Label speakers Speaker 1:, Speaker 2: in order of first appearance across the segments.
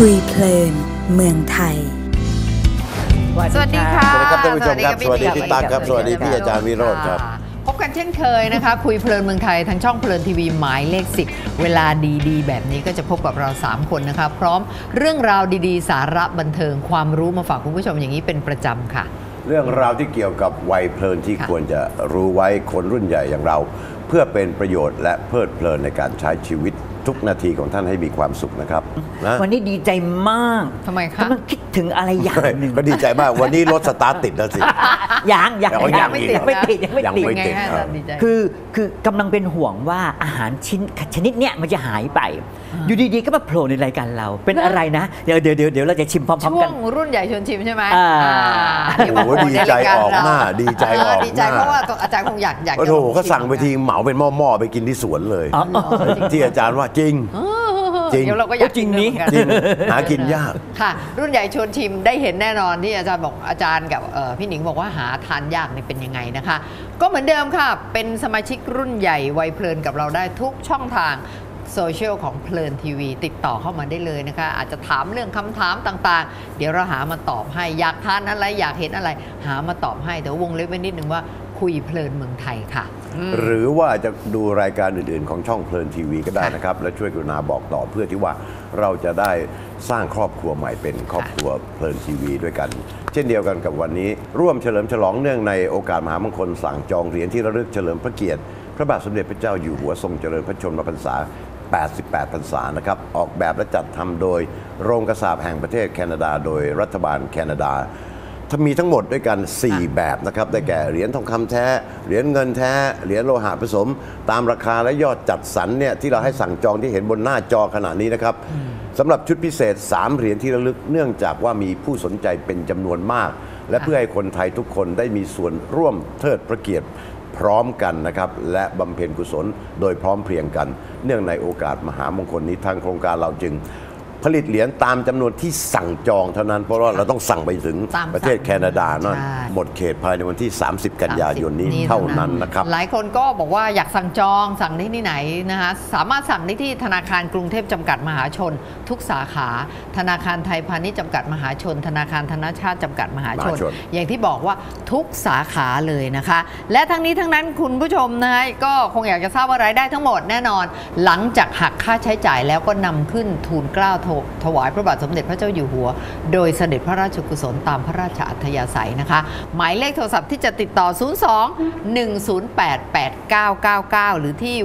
Speaker 1: คุยเพลินเมืองไทย
Speaker 2: สวัสดีค่ะ
Speaker 3: สวัสดีครับท่านผู้ชมครับสวัสดีพี่ตั๊กครับสวัสดีพี่อาจารย์วิโรจน์ครับ
Speaker 2: พบกันเช่นเคยนะคะ คุยเพลินเมืองไทยทางช่องเพลินทีวีหมายเลข10เวลาดีๆแบบนี้ก็จะพบกับเรา3คนนะคะพร้อมเรื่องราวดีๆสาระบันเทิงความรู้มาฝากคุณผู้ชมอย่างนี้เป็นประจำค่ะ
Speaker 3: เรื่องราวที่เกี่ยวกับวัยเพลินที่ควรจะรู้ไว้คนรุ่นใหญ่อย่างเราเพื่อเป็นประโยชน์และเพลิดเพลินในการใช้ชีวิตทุกนาทีของท่านให้มีความสุขนะครับนะ
Speaker 4: วันนี้ดีใจมาก
Speaker 2: ทำไมคะ
Speaker 4: กำลังคิดถึงอะไรอย่างหนึ่ง
Speaker 3: ก็ดีใจมากวันนี้รถสตาร์ทติดแล้วสิ
Speaker 4: ยัง
Speaker 2: ไม่ติด
Speaker 4: คือกำลังเป็นห่วงว่าอาหารชนิดเนี้ยมันจะหายไปอยู่ดีๆก็มาโผล่ในรายการเราเป็นอะไรนะเดี๋ยวเราจะชิมพร้อมๆกัน
Speaker 2: ช่วงรุ่นใหญ่ชวนชิมใช่ไหม
Speaker 3: โอ้โหดีใจออกหน้าดีใจออก
Speaker 2: ดีใจเพราะว่าอาจารย์คงอยาก
Speaker 3: โอ้โหเขาสั่งไปทีเหมาเป็นหม้อๆไปกินที่สวนเลยที่อาจารย์ว่าจริง
Speaker 2: เดี๋ยวเราก็อยาก
Speaker 4: จริงนี้
Speaker 3: หากินยาก
Speaker 2: ค่ะรุ่นใหญ่ชวนชิมได้เห็นแน่นอนที่อาจารย์บอกอาจารย์กับพี่หนิงบอกว่าหาทานยากนี่เป็นยังไงนะคะก็เหมือนเดิมค่ะเป็นสมาชิกรุ่นใหญ่วัยเพลินกับเราได้ทุกช่องทางโซเชียลของเพลินทีวีติดต่อเข้ามาได้เลยนะคะอาจจะถามเรื่องคำถามต่างๆเดี๋ยวเราหามาตอบให้อยากทานอะไรอยากเห็นอะไรหามาตอบให้แต่วงเล็บไว้นิดนึงว่าคุยเพลินเมืองไทยค่ะ
Speaker 3: หรือว่าจะดูรายการอื่นๆของช่องเพลินทีวีก็ได้นะครับและช่วยกรุณาบอกต่อเพื่อที่ว่าเราจะได้สร้างครอบครัวใหม่เป็นครอบครัวเพลินทีวีด้วยกันเช่นเดียวกันกับวันนี้ร่วมเฉลิมฉลองเนื่องในโอกาสมหามงคลสั่งจองเหรียญที่ระลึกเฉลิมพระเกียรติพระบาทสมเด็จพระเจ้าอยู่หัวทรงเจริญพระชนมพรรษา88 พรรษานะครับออกแบบและจัดทำโดยโรงกษาปณ์แห่งประเทศแคนาดาโดยรัฐบาลแคนาดามีทั้งหมดด้วยกัน4แบบนะครับได้แก่เหรียญทองคำแท้เหรียญเงินแท้เหรียญโลหะผสมตามราคาและยอดจัดสรรเนี่ยที่เราให้สั่งจองที่เห็นบนหน้าจอขณะนี้นะครับสำหรับชุดพิเศษ3เหรียญที่ระลึกเนื่องจากว่ามีผู้สนใจเป็นจำนวนมากและเพื่อให้คนไทยทุกคนได้มีส่วนร่วมเทิดพระเกียรติพร้อมกันนะครับและบำเพ็ญกุศลโดยพร้อมเพรียงกันเนื่องในโอกาสมหามงคลนี้ทางโครงการเราจึงผลิตเหรียญตามจำนวนที่สั่งจองเท่านั้นเพราะว่าเราต้องสั่งไปถึงประเทศแคนาดาเนาะหมดเขตภายในวันที่30 กันยายนนี้เท่านั้นนะครับ
Speaker 2: หลายคนก็บอกว่าอยากสั่งจองสั่งได้ที่ไหนนะคะสามารถสั่งได้ที่ธนาคารกรุงเทพจำกัดมหาชนทุกสาขาธนาคารไทยพาณิชย์จำกัดมหาชนธนาคารธนชาติจำกัดมหาชนอย่างที่บอกว่าทุกสาขาเลยนะคะและทั้งนี้ทั้งนั้นคุณผู้ชมนะก็คงอยากจะทราบว่ารายได้ทั้งหมดแน่นอนหลังจากหักค่าใช้จ่ายแล้วก็นำขึ้นทูลเกล้าถวายพระบาทสมเด็จพระเจ้าอยู่หัวโดยเสด็จพระราชกุศลตามพระราชอัธยาศัยนะคะหมายเลขโทรศัพท์ที่จะติดต่อ 02-108-8999 หรือที่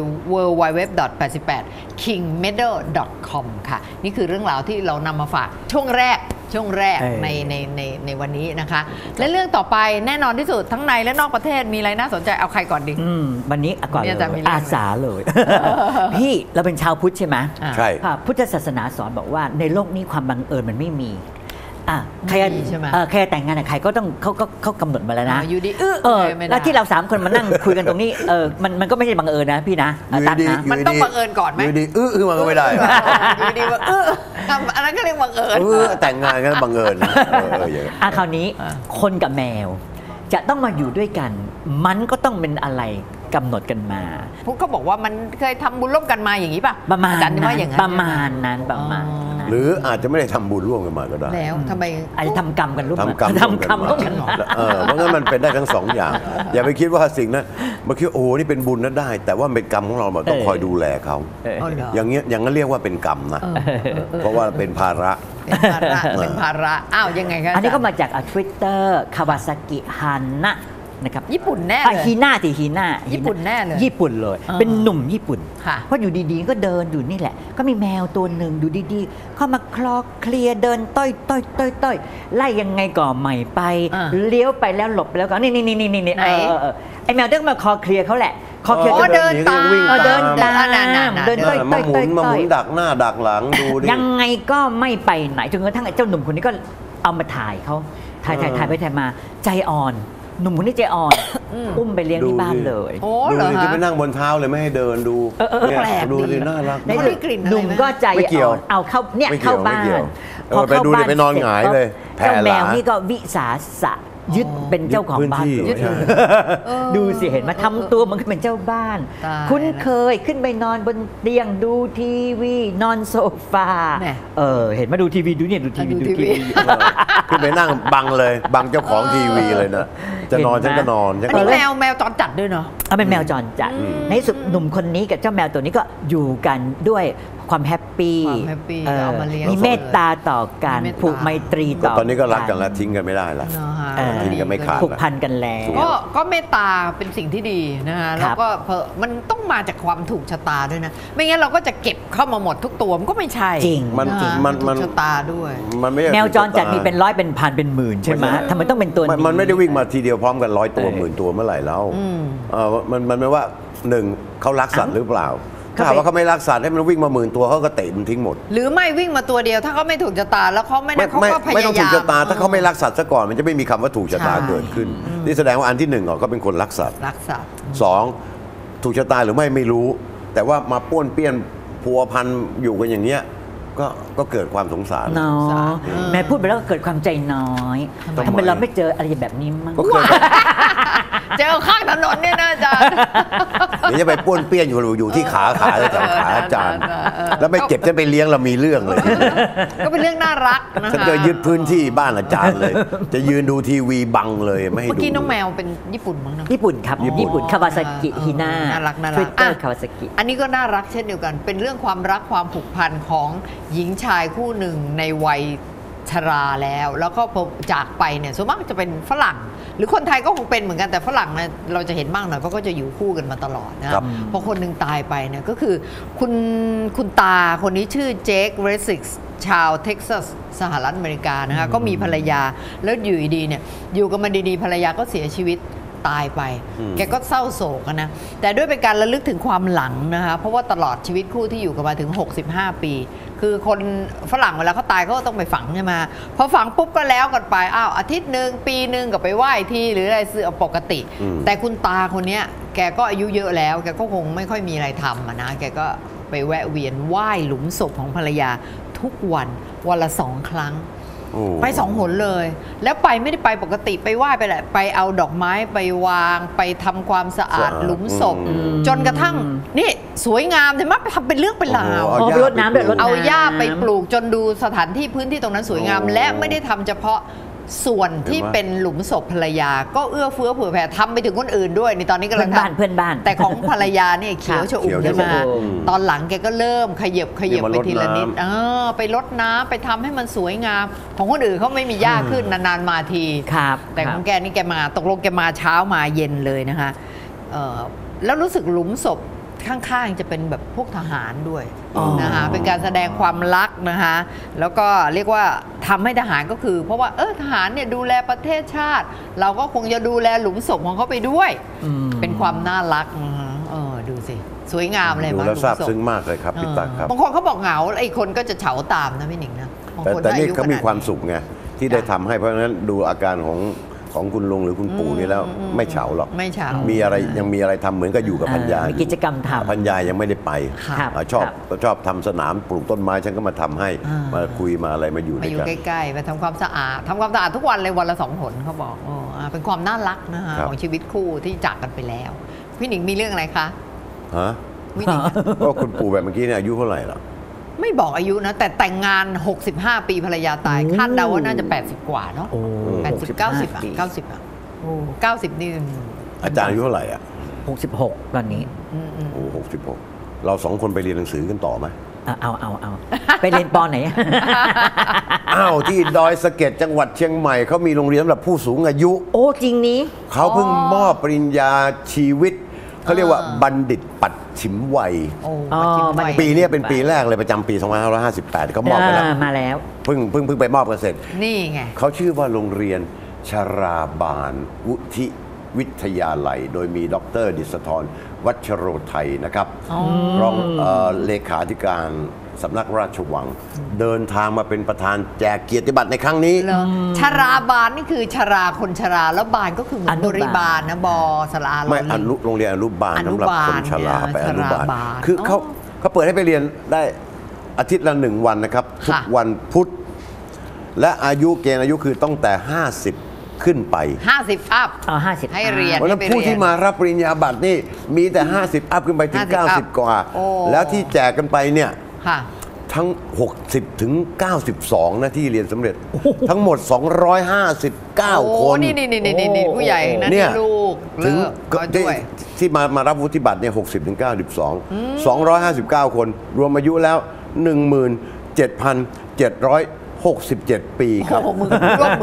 Speaker 2: www.88kingmedal.com ค่ะนี่คือเรื่องราวที่เรานำมาฝากช่วงแรกในวันนี้นะคะและเรื่องต่อไปแน่นอนที่สุดทั้งในและนอกประเทศมีอะไรน่าสนใจเอาใครก่อนดี
Speaker 4: วันนี้ก่อนเลยอาสาเลยพี่เราเป็นชาวพุทธใช่ไหม
Speaker 3: ใช่
Speaker 4: พุทธศาสนาสอนบอกว่าในโลกนี้ความบังเอิญมันไม่มีใครแต่งงานกับใครก็ต้องเขากำหนดมาแล้วนะ
Speaker 2: อยู่ดี
Speaker 4: แล้วที่เรา3คนมานั่งคุยกันตรงนี้มันก็ไม่ใช่บังเอิญนะพี่นะ
Speaker 2: ตั้งนะมันต้องบังเอิญก่อนไหม
Speaker 3: อยู่ดีคือมันก็ไม่ได้
Speaker 2: อยู่ดีว่าอันนั้นก็เรียกบังเอิญ
Speaker 3: แต่งงานกันบังเอิญ
Speaker 4: คราวนี้คนกับแมวจะต้องมาอยู่ด้วยกันมันก็ต้องเป็นอะไรกำหนดกันมา
Speaker 2: พวกเขาบอกว่ามันเคยทำบุญร่วมกันมาอย่างนี้ป่ะ
Speaker 4: ประมาณนั้น
Speaker 3: หรืออาจจะไม่ได้ทำบุญร่วมกันมาก็ได้
Speaker 2: แล้วทำไม
Speaker 4: อาจจะทำกรรมกันร่วม
Speaker 3: กันเพราะงั้นมันเป็นได้ทั้ง2อย่างอย่าไปคิดว่าสิ่งนั้นมาคิดโอ้นี่เป็นบุญนั้นได้แต่ว่าเป็นกรรมของเราต้องคอยดูแลเขาอย่างเงี้ยอย่างนั้นเรียกว่าเป็นกรรมนะเพราะว่าเป็นภาระ
Speaker 2: เป็นภาระอ้าวยังไงครับ
Speaker 4: อันนี้ก็มาจาก Twitter คาวาซากิฮันนะนะครับ
Speaker 2: ญี่ปุ่นแน่เลย
Speaker 4: ฮีน่า
Speaker 2: ญี่ปุ่นแน่เลย
Speaker 4: ญี่ปุ่นเลยเป็นหนุ่มญี่ปุ่นเพราะอยู่ดีๆก็เดินอยู่นี่แหละก็มีแมวตัวหนึ่งดูดีๆเข้ามาคลอเคลียเดินต้อยไล่ยังไงก่อใหม่ไปเลี้ยวไปแล้วหลบแล้วก็นี่ไอแมวเดินมาคอเคลียเขาแหละคอเคลีย
Speaker 2: เดินตาม
Speaker 4: เดิน
Speaker 3: มาหมุนดักหน้าดักหลังดูดิ
Speaker 4: ยังไงก็ไม่ไปไหนจนกระทั่งเจ้าหนุ่มคนนี้ก็เอามาถ่ายเขาถ่ายไปถ่ายมาใจอ่อนหนุ่มคนนี้ใจอ่อนอุ้มไปเลี้ยงที่บ้านเลย
Speaker 3: ดูดิจะไปนั่งบนเท้าเลยไม่ให้เดินดูดูดิน่ารัก
Speaker 4: หนุ่มก็ใจอ่อนเอาเข้าเนี่ยเข้าบ้าน
Speaker 3: พอไปดูไปนอนหงายเลย
Speaker 4: เจ้าแมวนี่ก็วิสาสะยึดเป็นเจ้าของบ้าน
Speaker 3: ยึดพื้นที่
Speaker 4: ดูสิเห็นไหมาทำตัวเหมันก็เป็นเจ้าบ้าน
Speaker 2: ตาย
Speaker 4: คุ้นเคยขึ้นไปนอนบนเตียงดูทีวีนอนโซฟา
Speaker 2: แหม่
Speaker 4: เห็นมาดูทีวีดูเนี่ยดูทีวี
Speaker 2: ดู
Speaker 4: ดู
Speaker 2: ที
Speaker 4: ที
Speaker 2: วี
Speaker 4: วี
Speaker 3: ขึ้นไปนั่งบังเลยบังเจ้าของทีวีเลยนะจะนอน
Speaker 4: เห็นไหม
Speaker 3: ฉันก็นอนฉัน
Speaker 2: อัน
Speaker 3: ก็
Speaker 2: นี้
Speaker 3: นอน
Speaker 2: แมวจรจัดด้วยเนาะ
Speaker 4: เป็นแมวจรจัดในที่สุดหนุ่มคนนี้กับเจ้าแมวตัวนี้ก็อยู่กันด้วยความแฮปปี้
Speaker 2: ความแฮปปี้เอามาเลี้ยง
Speaker 4: มีเมตตาต่อกัน
Speaker 2: มีเมตตา
Speaker 4: ผูกไมตรีต่อ
Speaker 3: ตอนนี้ก็รักกันแล้วทิ้งกันไม่ได้ละ
Speaker 2: เนอะฮะ
Speaker 3: ทิ้งกันไม่ขาด
Speaker 4: ผูกพันกันแล้ว
Speaker 2: ก็เมตตาเป็นสิ่งที่ดีนะฮะ
Speaker 4: ค
Speaker 2: แล้
Speaker 4: รั
Speaker 2: ว
Speaker 4: บ
Speaker 2: ก็มันต้องมาจากความถูกชะตาด้วยนะ ไม่งั้นเราก็จะเก็บเข้ามาหมดทุกตัวมันก็ไม่ใช่
Speaker 4: จริง
Speaker 3: มัน
Speaker 2: นะฮะ
Speaker 3: มัน
Speaker 2: ถูกชะตาด้วย
Speaker 3: มันไม่ใช่
Speaker 4: แมวจรจัดมีเป็นร้อยเป็นพันเป็นหมื่นใช่ไหมทำไมต้องเป็นตัวนี้
Speaker 3: มันไม่ได้วิ่งมาทีเดียวพร้อมกัน100 ตัวหมื่นตัวเมื่อไหร่แล้ว
Speaker 2: อืม
Speaker 3: มันไม่ว่าหนึ่งเขารักสัตว์หรือเปล่าถ้า
Speaker 4: เขาไป
Speaker 3: หากว่าเขาไม่รักสัตว์ให้มันวิ่งมา10,000 ตัวเขาก็เตะมันทิ้งหมด
Speaker 2: หรือไม่วิ่งมาตัวเดียวถ้าเขาไม่ถูกชะตาแล้วเขาไม่ได้เขาก็พยายาม
Speaker 3: ไม่ต้องถูกชะตาถ้าเขาไม่รักสัตว์ซะก่อนมันจะไม่มีคำว่าถูกชะตา
Speaker 2: ใช่
Speaker 3: เกิดขึ้นนี่แสดงว่าอันที่หนึ่งเขาเป็นคนรักสัตว์
Speaker 2: รักสัตว์
Speaker 3: สองถูกชะตาหรือไม่รู้ แต่ว่ามาป้วนเปี้ยนพัวพันอยู่กันอย่างเนี้ยก็เกิดความสงสาร
Speaker 4: เนาะแม่พูดไปแล้วก็เกิดความใจน้อย
Speaker 3: ทำไม
Speaker 4: ทำไมเราไม่เจออะไรแบบนี้มั้ง
Speaker 3: ก็เคย
Speaker 2: เจอข้างถนนเนี่ยนะอาจารย์
Speaker 3: เดี๋ยวจะไปป้วนเปี้ยนอยู่ที่ขาแถวขาอาจารย์ แล้วไปเก็บฉันไปเลี้ยงเรามีเรื่องเลย
Speaker 2: ก็เป็นเรื่องน่ารักนะคะ
Speaker 3: ฉันก็ยึดพื้นที่บ้านอาจารย์เลย จะยืนดูทีวีบังเลยไม่ให้ดู
Speaker 2: เมื่อกี้น้องแมวเป็นญี่ปุ่นมั้งเนอะ
Speaker 4: ญี่ปุ่นครับญี่ปุ่นคาวาซากิฮิน่า
Speaker 2: น่ารักน่ารัก
Speaker 4: ทวิตเตอร์
Speaker 2: อ่ะ
Speaker 4: คาวาซากิ
Speaker 2: อันนี้ก็น่ารักเช่นเดียวกัน เป็นเรื่องความรักความผูกพันของหญิงชายคู่หนึ่งในวัยชราแล้วก็พอจากไปเนี่ยส่วนมากจะเป็นฝรั่ง หรือคนไทยก็คงเป็นเหมือนกันแต่ฝรั่งเนี่ยเราจะเห็นมากหน่อยเพราะก็จะอยู่คู่กันมาตลอดนะครับ พอคนหนึ่งตายไปเนี่ยก็คือคุณตาคนนี้ชื่อเจคเรซิกชาวเท็กซัสสหรัฐอเมริกานะคะก็มีภรรยาแล้วอยู่ดีๆเนี่ยอยู่กันมาดีๆภรรยาก็เสียชีวิตตายไป แกก็เศร้าโศกอะนะแต่ด้วยเป็นการระลึกถึงความหลังนะคะเพราะว่าตลอดชีวิตคู่ที่อยู่กันมาถึง65 ปี คือคนฝรั่งเวลาเขาตายเขาก็ต้องไปฝังใช่ไหมพอฝังปุ๊บก็แล้วกันไปอ้าวอาทิตย์หนึ่งปีหนึ่งก็ไปไหว้ทีหรืออะไรซื้อปกติ แต่คุณตาคนเนี้ยแกก็อายุเยอะแล้วแกก็คงไม่ค่อยมีอะไรทำอะนะแกก็ไปแวะเวียนไหว้หลุมศพของภรรยาทุกวันละ2 ครั้ง
Speaker 3: โอ้
Speaker 2: ไป2 หนเลย แล้วไปไม่ได้ไปปกติไปไหว้ไปแหละไปเอาดอกไม้ไปวางไปทำความสะอาดหลุมศพ จนกระทั่งนี่สวยงามใช่ไหมทำเป็นเรื่องเป็นราว
Speaker 3: โอ้โห
Speaker 4: รดน้ำด้วยรดน้ำ
Speaker 2: เอาหญ้าไปปลูกจนดูสถานที่พื้นที่ตรงนั้นสวยงาม
Speaker 3: โอ้
Speaker 2: และไม่ได้ทำเฉพาะส่วนที่
Speaker 3: เห็นไหม
Speaker 2: เป็นหลุมศพภรรยา ก็เอื้อเฟื้อเผื่อแผ่ทำไปถึงคนอื่นด้วยในตอนนี้กำลัง
Speaker 4: เพื่อนบ้านเพื่อนบ้าน
Speaker 2: แต่ของภรรยาเนี่ยเขียวชอุ่ม
Speaker 3: เขียว
Speaker 2: ขึ้นมา
Speaker 3: ชอุ่ม
Speaker 2: ตอนหลังแกก็เริ่มขยับ
Speaker 3: เนี่ยมา
Speaker 2: ไปทีละนิด
Speaker 3: รดน้ำ
Speaker 2: ไปรดน้ำไปทำให้มันสวยงาม ของคนอื่นเขาไม่มีหญ้าขึ้นนานๆมาที
Speaker 4: ครับ
Speaker 2: แต่ของแกนี่แกมาตกลงแกมาเช้ามาเย็นเลยนะคะแล้วรู้สึกหลุมศพข้างๆจะเป็นแบบพวกทหารด้วย
Speaker 4: อ๋อ
Speaker 2: นะคะเป็นการแสดงความรักนะคะแล้วก็เรียกว่าทำให้ทหารก็คือ เพราะว่าทหารเนี่ยดูแลประเทศชาติ เราก็คงจะดูแลหลุมศพของเขาไปด้วย เป็นความน่ารักนะคะดูสิสวยงามเลย
Speaker 3: ดู
Speaker 2: มั้ย
Speaker 3: แล้ว
Speaker 2: หลุม
Speaker 3: ซาบ
Speaker 2: ศพ
Speaker 3: ซึ้งมากเลยครับพี่ตั๊กครับ
Speaker 2: บางคนเขาบอกเหงาไอ้คนก็จะเฉาตามนะพี่หนิงนะบางคน
Speaker 3: แต่นี่
Speaker 2: ถ้
Speaker 3: เขามี
Speaker 2: อยุ
Speaker 3: ความ
Speaker 2: ขนดนี้
Speaker 3: สุขไงที่ได้ทำให้เพราะฉะนั้นดูอาการของคุณลุงหรือคุณปู่นี่แล้วไม่เฉาหรอก
Speaker 2: ไม่เฉา
Speaker 3: มีอะไรยังมีอะไรทำเหมือนกับอยู่กับพันยา
Speaker 4: มีกิจกรรมทำ
Speaker 3: พันยายังไม่ได้ไป
Speaker 4: ครับ
Speaker 3: ชอบทำสนามปลูกต้นไม้ฉันก็มาทำให้ มาคุยมาอะไรมาอยู่
Speaker 2: มา
Speaker 3: ด้วย
Speaker 2: อยู่
Speaker 3: กัน
Speaker 2: ใกล้ๆมาทำความสะอาดทุกวันเลยวันละ2 หนเขาบอกเป็นความน่ารักนะคะ
Speaker 3: ครับ
Speaker 2: ของชีวิตคู่ที่จากกันไปแล้ว พี่หนิงมีเรื่องอะไรคะ
Speaker 3: ฮะ
Speaker 2: พี่หนิง
Speaker 3: ก็คุณปู่แบบเมื่อกี้เนี่ยอายุเท่าไหร่ล่ะ
Speaker 2: ไม่บอกอายุนะ แต่แต่งงาน 65 ปีภรรยาตายคาดเดาว่าน่าจะ 80 กว่าเนาะ
Speaker 4: โอ้
Speaker 2: 80 90อ่ะ90อ่ะโอ้90 นี่
Speaker 3: อาจารย์อายุเท่าไหร่อ่ะ
Speaker 4: 66 ตอนนี้
Speaker 3: โอ้66เรา2 คนไปเรียนหนังสือกันต่อไหม
Speaker 4: เอาไปเรียนปอไหน
Speaker 3: อ้าวที่ดอยสะเก็ดจังหวัดเชียงใหม่เขามีโรงเรียนสำหรับผู้สูงอายุ
Speaker 4: โอ้จริงนี้
Speaker 3: เขาเพิ่งมอบปริญญาชีวิตเขาเรียกว่าบัณฑิตปัดฉิมวัย
Speaker 2: โอ้
Speaker 4: อ๋อ
Speaker 2: มาจิ้มไว้
Speaker 3: ปีนี้เป็นปีแรกเลยประจำปี 2558เขามอบไปแล้ว
Speaker 4: มาแล้ว
Speaker 3: เพิ่งไปมอบกันเสร็จ
Speaker 2: นี่ไง
Speaker 3: เขาชื่อว่าโรงเรียนชราบาลวุฒิวิทยาลัย โดยมีดร.ดิษฐรวัชโรไทยนะครับรองเลขาธิการสำนักราชวัง เดินทางมาเป็นประธานแจกเกียรติบัตรในครั้งนี้
Speaker 2: เหรอชราบาลนี่คือชราคนชราแล้วบาลก็คือเหมือน
Speaker 4: อนุ
Speaker 2: บบ
Speaker 4: าล
Speaker 2: ริบาลนะบอสลา
Speaker 3: ไม่โรงเรียนอนุบาล
Speaker 2: อนุ
Speaker 3: สำหรับบ
Speaker 2: าล
Speaker 3: คนชราไป
Speaker 2: เนี่ย
Speaker 3: อนุบาล
Speaker 2: ชราบาล
Speaker 3: คือเขา
Speaker 2: อ๋อ
Speaker 3: เขาเปิดให้ไปเรียนได้อาทิตย์ละ1 วันนะครับ ทุก
Speaker 2: ค่ะ
Speaker 3: วันพุธและอายุเกณฑ์อายุคือตั้งแต่50 ขึ้นไป
Speaker 2: 50 อัพ
Speaker 4: 50
Speaker 2: ให้เรียน
Speaker 3: เพราะฉะนั้นผู้ที่มารับปริญญาบัตรนี่มีแต่50 อัพขึ้นไปถึง
Speaker 2: 50
Speaker 3: 90 กว่า
Speaker 2: โอ้
Speaker 3: แล้วที่แจกกันไปเนี่ย
Speaker 2: ค่ะ
Speaker 3: ทั้ง 60 ถึง 92 นะที่เรียนสำเร็จ ทั้งหมด 259 คน
Speaker 2: นี่ผู้ใหญ่นะ
Speaker 3: เนี่ย
Speaker 2: ที่ลูก
Speaker 3: ถึง
Speaker 2: เลิกก็ด้วย
Speaker 3: ที่มารับวุฒิบัตรเนี่ย60 ถึง 92 259 คน รวมอายุแล้ว 17,767 ปีครับ
Speaker 2: โอ้โหร่วม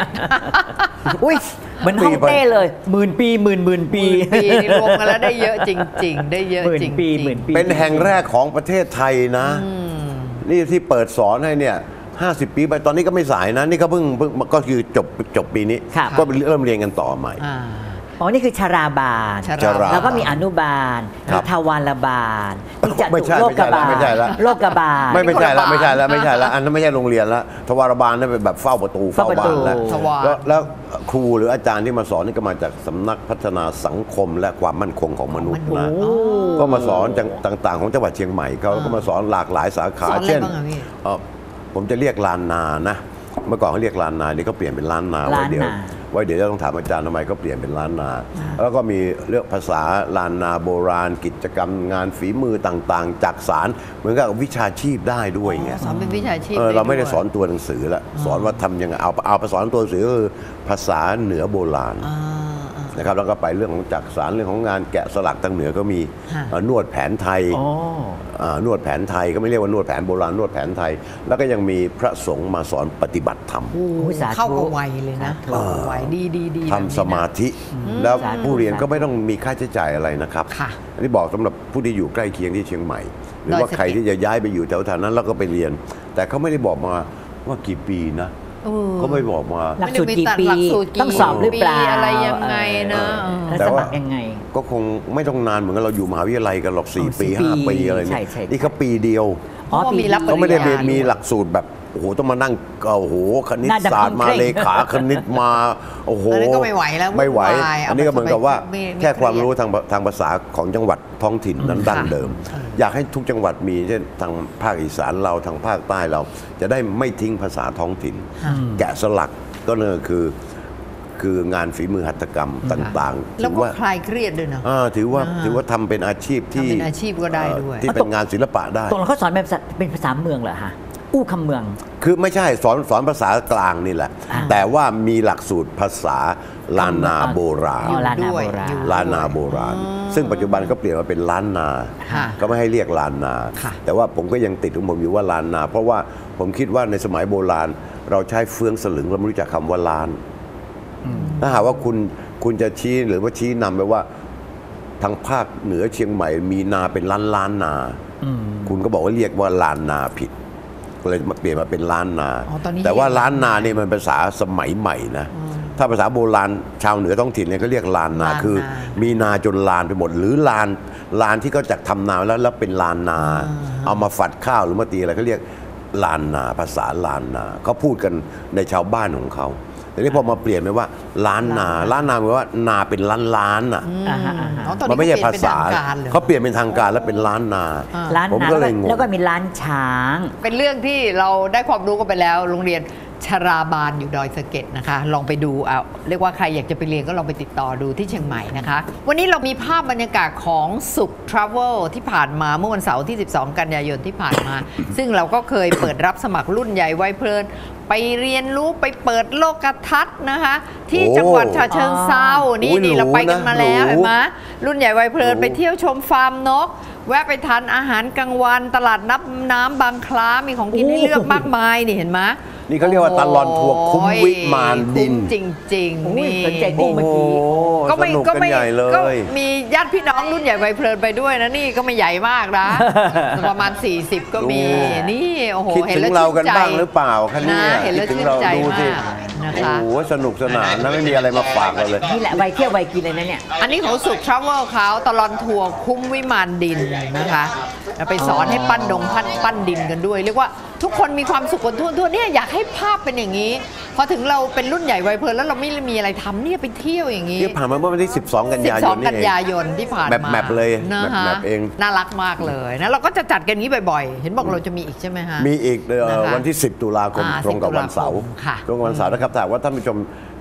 Speaker 2: 18,000
Speaker 4: อุ้ยเหมือนฮ่องเต้เลย10,000 ปีหมื่นปี
Speaker 2: ปีนี่รวมกันแล้วได้เยอะจริง ๆ ได้เยอะ
Speaker 4: หมื่น
Speaker 2: จริง
Speaker 4: ปีหมื่นปี
Speaker 3: เป็นแห่งแรกของประเทศไทยนะ นี่ที่เปิดสอนให้เนี่ย 50 ปีไปตอนนี้ก็ไม่สายนะ นี่ก็เพิ่งก็คือจบปีนี้
Speaker 4: ครับ
Speaker 3: ก็เริ่มเรียนกันต่อใหม่
Speaker 4: อ๋อ นี่คือชราบาล
Speaker 2: ชราบาล
Speaker 4: แล้วก็มีอนุบาล
Speaker 3: ครั
Speaker 4: มี
Speaker 3: บ
Speaker 4: ทวารบาลมีจ
Speaker 3: ไม่
Speaker 4: ตุ
Speaker 3: ใช่
Speaker 4: โลกบาล
Speaker 3: ไม่ใช่ละ
Speaker 4: โลกบาล
Speaker 3: ไม่ใช่แล้ว
Speaker 2: นี่
Speaker 3: ไม่ใช่แล้ว
Speaker 2: คนละบาท
Speaker 3: ไม่ใช่แล้วอันนั้นไม่ใช่โรงเรียนแล้วทวารบาลนั่นเป็นแบบเฝ้าประตูเฝ้าบ้านแล้ว
Speaker 2: ทวาร
Speaker 3: แล้วครูหรืออาจารย์ที่มาสอนนี่ก็มาจากสำนักพัฒนาสังคมและความมั่นคงของมนุษย์นะ
Speaker 4: โอ้
Speaker 3: ก็มาสอนต่างๆของจังหวัดเชียงใหม่เขาก็มาสอนหลากหลายสาขา
Speaker 2: สอนอะไร
Speaker 3: เช่น
Speaker 2: บ้างอะพี่
Speaker 3: ผมจะเรียกลานนานะเมื่อก่อนเขาเรียกลานนานี่ก็เปลี่ยนเป็นล้านนาไว้เดี๋ยว
Speaker 4: ล้านนา
Speaker 3: ไว้เดี๋ยวจะต้องถามอาจารย์ทำไมก็เปลี่ยนเป็นล้านนา แล้วก็มีเรื่องภาษาล้านนาโบราณ กิจกรรมงานฝีมือต่างๆ จากสารเหมือนกับวิชาชีพได้ด้วยไง
Speaker 2: สอนเป็นวิชาชีพ
Speaker 3: เราไม่ได้
Speaker 2: วย
Speaker 3: สอนตัวหนังสือละสอนว่าทำยังไงเอาไปสอนตัวหนังสือก็คือภาษาเหนือโบราณ
Speaker 2: อ่า
Speaker 3: นะครับแล้วก็ไปเรื่องของจักสารเรื่องของงานแกะสลักทางเหนือก็มี
Speaker 2: ค่ะ
Speaker 3: นวดแผนไทย
Speaker 4: อ๋อ
Speaker 3: นวดแผนไทยก็ไม่เรียกว่านวดแผนโบราณนวดแผนไทย แล้วก็ยังมีพระสงฆ์มาสอนปฏิบัติธรรม
Speaker 2: โอ้โห
Speaker 4: สาธุ
Speaker 2: เข้ากับวัยเลยนะ
Speaker 4: สาธุ
Speaker 2: เข้ากับวัยดีแบบนี้นะ
Speaker 3: ทำสมาธิ แล้ว
Speaker 4: สาธุ
Speaker 3: ผู้เรียนก็ไม่ต้องมีค่าใช้จ่ายอะไรนะครับ
Speaker 2: ค่ะ
Speaker 3: อันนี้บอกสำหรับผู้ที่อยู่ใกล้เคียงที่เชียงใหม่ หรือว่า
Speaker 2: ดอยสะเก็ด
Speaker 3: ใครที่จะย้ายไปอยู่แถวๆนั้นแล้วก็ไปเรียน แต่เขาไม่ได้บอกมาว่ากี่ปีนะ
Speaker 2: เออ
Speaker 3: เขาไม่บอกมา
Speaker 4: หลักสูตรกี่ปี
Speaker 2: หลักสูตรกี่
Speaker 4: ต้องสอบหรือเปล่า
Speaker 2: ปีอะไรยังไงนะ
Speaker 4: แล้ว
Speaker 3: แต่
Speaker 4: ส
Speaker 3: ว่า
Speaker 4: มัครยังไง
Speaker 3: ก็คงไม่ต้องนานเหมือนกับเราอยู่มหาวิทยาลัยกันหรอก
Speaker 4: อ๋อ
Speaker 3: 4 ปี
Speaker 4: 4
Speaker 3: 5 ปีอะไร
Speaker 4: ใช่
Speaker 3: เนี่ย
Speaker 4: ใช่
Speaker 3: นี่เขาปีเดียว
Speaker 2: เพราะว่ามีรับปริญญา
Speaker 3: เขาไม่ได้มี
Speaker 2: ด้วย
Speaker 3: มีหลักสูตรแบบโอ้โหต้องมานั่งโอ้โหคณิต
Speaker 4: หน้าดำ
Speaker 3: ศาสตร์มา
Speaker 4: เคร่ง
Speaker 3: เลขาคณิตมาโอ้โห
Speaker 2: อันนั้นก็ไม่ไหวแล้ว
Speaker 3: ไม่ไหว
Speaker 2: วุ่นวาย
Speaker 3: อันนี้ก็เหมือนกับว่า
Speaker 2: ไม่
Speaker 3: แค่ความ
Speaker 2: เครียด
Speaker 3: รู้ทางภาษาของจังหวัดท้องถิ่นนั้นดั้งเดิม อยากให้ทุกจังหวัดมีเช่นทางภาคอีสานเราทางภาคใต้เรา จะได้ไม่ทิ้งภาษาท้องถิ่น แกะสลักก็นั่นก็คืองานฝีมือหัตถกรรมต่างๆ
Speaker 2: แล้ว
Speaker 3: ถือ
Speaker 2: ก็
Speaker 3: ว่า
Speaker 2: คลายเครียดด้วยนะ
Speaker 3: ถือว่าทำเป็นอาชีพที่
Speaker 2: ทำเป็นอาชีพก็ได้ด้วย
Speaker 3: ที่เป็นงานศิลปะได้
Speaker 4: ตรงเราเขาสอนเป็นภาษาเมืองเหรอฮะ อู้คำเมือง
Speaker 3: คือไม่ใช่สอนภาษากลางนี่แหละ แต่ว่ามีหลักสูตรภาษาล้านนาโบราณ
Speaker 4: อ๋อล้านนา
Speaker 2: ด้วย
Speaker 4: โบราณ
Speaker 2: อยู่
Speaker 3: ล้านนาโบราณ ซึ่งปัจจุบันก็เปลี่ยนมาเป็นล้านนา
Speaker 2: ค่ะ
Speaker 3: ก็ไม่ให้เรียกล้านนา
Speaker 2: ค่ะ
Speaker 3: แต่ว่าผมก็ยังติดของผมอยู่ว่าล้านนา เพราะว่าผมคิดว่าในสมัยโบราณ เราใช้เฟืองสลึงเราไม่รู้จักคำว่าล้าน ถ้าหากว่าคุณจะชี้หรือว่าชี้นำไปว่าทางภาคเหนือเชียงใหม่มีนาเป็นล้านนา คุณก็บอกว่าเรียกว่าล้านนาผิดก็เลยมาเปลี่ยนมาเป็นล้านนา
Speaker 2: อ๋อตอนนี้
Speaker 3: แต่ว่าล้านนาเนี่ยมันภาษาสมัยใหม่นะถ้าภาษาโบราณชาวเหนือท้องถิ่นเนี่ยก็เรียกล้านนา
Speaker 2: ล้านนา
Speaker 3: คือ มีนาจนลานไปหมด หรือลานที่เขาจากทำนาแล้วเป็นลานนา เอามาฝัดข้าวหรือมาตีอะไรเขาเรียกลานนาภาษาลานนาเขาพูดกันในชาวบ้านของเขาแต่นี่พอมาเปลี่ยนไปว่าล้านนาหมายว่านาเป็นล้านอ่ะ
Speaker 4: อ่าฮะอ่าฮะ
Speaker 2: อ๋อตอน
Speaker 3: มั
Speaker 2: นี้
Speaker 3: นไม่ใช่ภาษา
Speaker 2: เปลี่ยนเป็นทงการเลย
Speaker 3: เขาเปลี่ยนเป็นทางการแล้วเป็นล้านนา
Speaker 4: ร้าน
Speaker 3: ผม
Speaker 4: นา
Speaker 3: ก็เลยงง
Speaker 4: แล้วก็มีร้านช้าง
Speaker 2: เป็นเรื่องที่เราได้ความรู้กันไปแล้ว โรงเรียนชราบาลอยู่ดอยสะเก็ดนะคะ ลองไปดูเอาเรียกว่าใครอยากจะไปเรียนก็ลองไปติดต่อดูที่เชียงใหม่นะคะ วันนี้เรามีภาพบรรยากาศของสุขทราเวลที่ผ่านมาเมื่อวันเสาร์ที่ 12 กันยายนที่ผ่านมา ซึ่งเราก็เคยเปิดรับสมัครรุ่นใหญ่วัยเพลิน ไปเรียนรู้ไปเปิดโลกทัศน์นะคะ ที่จังหวัดฉะเชิงเทรานี่
Speaker 3: โอ้ย
Speaker 2: นี่เราไปกันมาแล้ว
Speaker 3: หรูนะ
Speaker 2: เห็นไหมรุ่นใหญ่วัยเพลิน
Speaker 3: หรู
Speaker 2: ไปเที่ยวชมฟาร์มนก แวะไปทานอาหารกลางวันตลาดน้ำบางคล้ามีของกินให้เลือกมากมายนี่เห็นไหม
Speaker 3: นี่เขาเรียกว่าตลอดทัวร์คุ้มวิมานดิน
Speaker 2: คุ้มจริง
Speaker 4: โอ้
Speaker 2: ๆ
Speaker 4: ย
Speaker 2: นี่
Speaker 4: สนใจกุ้งเมื่อกี้
Speaker 2: ก็ไม่
Speaker 3: สนุก
Speaker 2: ก็
Speaker 3: กัน
Speaker 2: ไม่
Speaker 3: ใหญ่เล
Speaker 2: ก็
Speaker 3: ย
Speaker 2: มีญาติพี่น้องรุ่นใหญ่วัยเพลินไปด้วยนะนี่ก็ไม่ใหญ่มากนะ ประมาณ 40 ก็มีนี่โอ้โห
Speaker 3: คิด
Speaker 2: เห็น
Speaker 3: ถึ
Speaker 2: แล้ว
Speaker 3: งเรา
Speaker 2: ชื่
Speaker 3: กัน
Speaker 2: นใจ
Speaker 3: บ้างหรือเปล่าคะเนี่ย
Speaker 2: นะเห็นแล้ว
Speaker 3: คิดถึง
Speaker 2: ชื่น
Speaker 3: เรา
Speaker 2: ใจ
Speaker 3: ดูสิ
Speaker 2: มากนะคะ
Speaker 3: โอ้โหสนุกสนานนะไม่มีอะไรมาฝากเราเลย
Speaker 4: นี่แหละวัยเที่ยววัยกินเลยนะเนี่ย
Speaker 2: อันนี้ของสุขทราเวลเขาตลอดทัวร์คุ้มวิมานดินนะคะแล้วไปสอนให้ปั้นปั้นดินกันด้วย เรียกว่าทุกคนมีความสุขกันทั่วเนี่ยอยากให้ภาพเป็นอย่างนี้ พอถึงเราเป็นรุ่นใหญ่วัยเพลินแล้วเราไม่มีอะไรทำเนี่ยไปเที่ยวอย่างนี้
Speaker 3: ที่ผ่านมาเมื่อวันที่ 12 กันยายน
Speaker 2: 12
Speaker 3: นี่
Speaker 2: กัน
Speaker 3: เอง
Speaker 2: ยายนที่ผ่านมา
Speaker 3: แมปเลย
Speaker 2: นะคะ
Speaker 3: แมปเอง
Speaker 2: น่ารักมากเลยนะเราก็จะจัดกันนี้บ่อยๆ เห็นบอกเราจะมีอีกใช่ไหมฮะ
Speaker 3: มีอีก
Speaker 2: นะคะ
Speaker 3: วันที่ 10 ตุลาคม
Speaker 2: อ่า
Speaker 3: ตรงกับ
Speaker 2: 10
Speaker 3: วันเสาร์
Speaker 2: ค่ะ
Speaker 3: ตรงกับวันเสาร์นะครับแต่ว่าท่านผู้ชม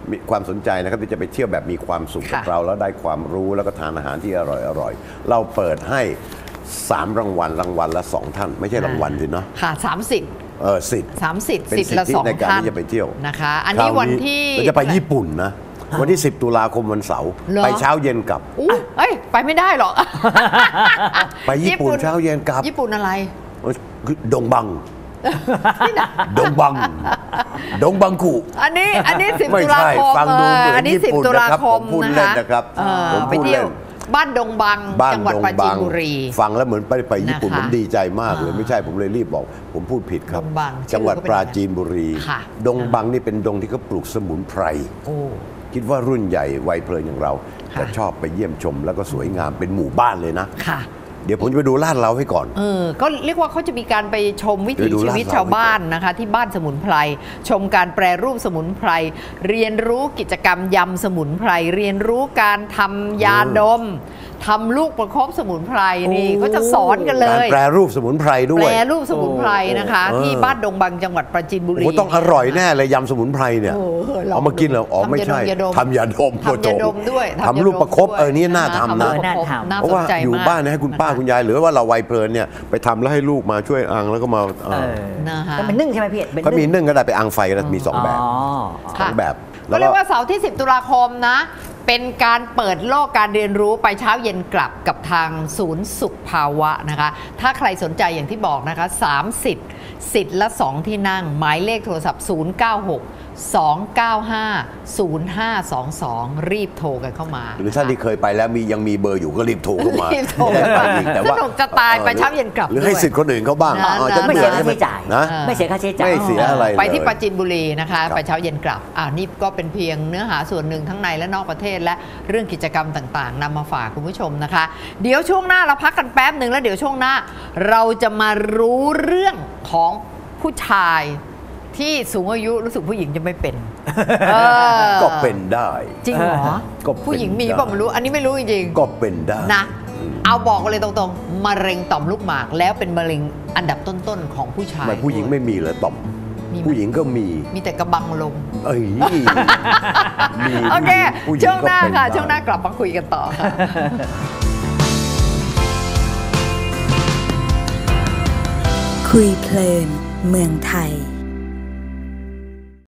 Speaker 3: มีความสนใจนะครับที่จะไปเที่ยวแบบมีความสุขกับเราแล้วได้ความรู้แล้วก็ทานอาหารที่อร่อยเราเปิดให้3 รางวัลละ 2 ท่านไม่ใช่รางวัลสิเนาะ
Speaker 2: ค่ะ30
Speaker 3: สิทธิ์
Speaker 2: สิทธิ์ละ2
Speaker 3: ในการ
Speaker 2: ท่าน
Speaker 3: ที่จะไปเที่ยว
Speaker 2: นะคะอันนี้วันที่
Speaker 3: เราจะไปญี่ปุ่นนะวันที่10 ตุลาคมวันเสาร์ไปเช้าเย็นกลับ
Speaker 2: ไปไม่ได้หรอก
Speaker 3: ไปญี่ปุ่นเช้าเย็นกลับ
Speaker 2: ญี่ปุ่นอะไร
Speaker 3: ดงบังดงบังกุ
Speaker 2: อันนี้10 ตุลาคมอันนี้10 ตุลาคม
Speaker 3: นะครับ
Speaker 2: ไปเที่ยวบ้านดงบังจังหวัดปราจีนบุรี
Speaker 3: ฟังแล้วเหมือนไปญี่ปุ่นผมดีใจมากเลยไม่ใช่ผมเลยรีบบอกผมพูดผิดครับจังหวัดปราจีนบุรีดงบังนี่เป็นดงที่เขาปลูกสมุนไพรคิดว่ารุ่นใหญ่วัยเพลินอย่างเราจะชอบไปเยี่ยมชมแล้วก็สวยงามเป็นหมู่บ้านเลยนะเดี๋ยวผมจะไปดูลาดเราให้ก่อน
Speaker 2: ก็เรียกว่าเขาจะมีการไปชมวิถีชีวิตชาวบ้านนะคะที่บ้านสมุนไพรชมการแปรรูปสมุนไพรเรียนรู้กิจกรรมยำสมุนไพรเรียนรู้การทำยาดมทำลูกประคบสมุนไพรนี่ก็จะสอนกันเลย
Speaker 3: การแปรรูปสมุนไพรด้วย
Speaker 2: แปรรูปสมุนไพรนะคะที่บ้านดงบังจังหวัดปราจีนบุรี
Speaker 3: ต้องอร่อยแน่เลยยำสมุนไพรเนี่ยเอามากินเหรออ๋อไม่ใช่ทำยาดม
Speaker 2: ด้วย
Speaker 3: ทำลูกประคบนี่น่าทำนะเพราะว่าอยู่บ้านให้คุณป้าคุณยายหรือว่าเราวัยเพลินเนี่ยไปทำแล้วให้ลูกมาช่วยอังแล้วก็มา
Speaker 4: แต่มันนึ่งใช่ไหมพี่
Speaker 3: เขามีนึ่งก็ได้ไปอังไฟก็ได้มี2 แบบ2 แบบ
Speaker 2: ก็เรียกว่าเสาร์ที่10 ตุลาคมนะเป็นการเปิดโลกการเรียนรู้ไปเช้าเย็นกลับกับทางศูนย์สุขภาวะนะคะถ้าใครสนใจอย่างที่บอกนะคะสิทธิ์ละ 2 ที่นั่งหมายเลขโทรศัพท์096-295-0522รีบโทรกันเข้ามา
Speaker 3: หรือท่านที่เคยไปแล้วยังมีเบอร์อยู่ก็รีบโทรเข้ามา
Speaker 2: แต่ว่าสนุกจะตายไปเช้าเย็นกลับ
Speaker 3: หรือให้สิทธิ์คนอื่นเขาบ้าง
Speaker 4: จะไม่เสียค่าใช้จ่ายนะไม่เสียค่าใช้จ่าย
Speaker 3: ไม่เสียอะไร
Speaker 2: ไปที่ปราจีนบุรีนะคะไปเช้าเย็นกลับนี่ก็เป็นเพียงเนื้อหาส่วนหนึ่งทั้งในและนอกประเทศและเรื่องกิจกรรมต่างๆนำมาฝากคุณผู้ชมนะคะเดี๋ยวช่วงหน้าเราพักกันแป๊บหนึ่งแล้วเดี๋ยวช่วงหน้าเราจะมารู้เรื่องของผู้ชายที่สูงอายุรู้สึกผู้หญิงจะไม่เป็น
Speaker 3: ก็เป็นได้
Speaker 2: จริงเหรอผู้หญิงมีป่ะไม่รู้อันนี้ไม่รู้จริง
Speaker 3: ๆก็เป็นได้
Speaker 2: นะเอาบอกเลยตรงๆมะเร็งต่อมลูกหมากแล้วเป็นมะเร็งอันดับต้นๆของผู้ชาย
Speaker 3: ผู้หญิงไม่มีเหรอต่อมผู้หญิงก็มี
Speaker 2: แต่กระบังลมโอเคช่วงหน้าค่ะช่วงหน้ากลับมาคุยกันต่อค่ะ
Speaker 1: คุยเพลินเมืองไทย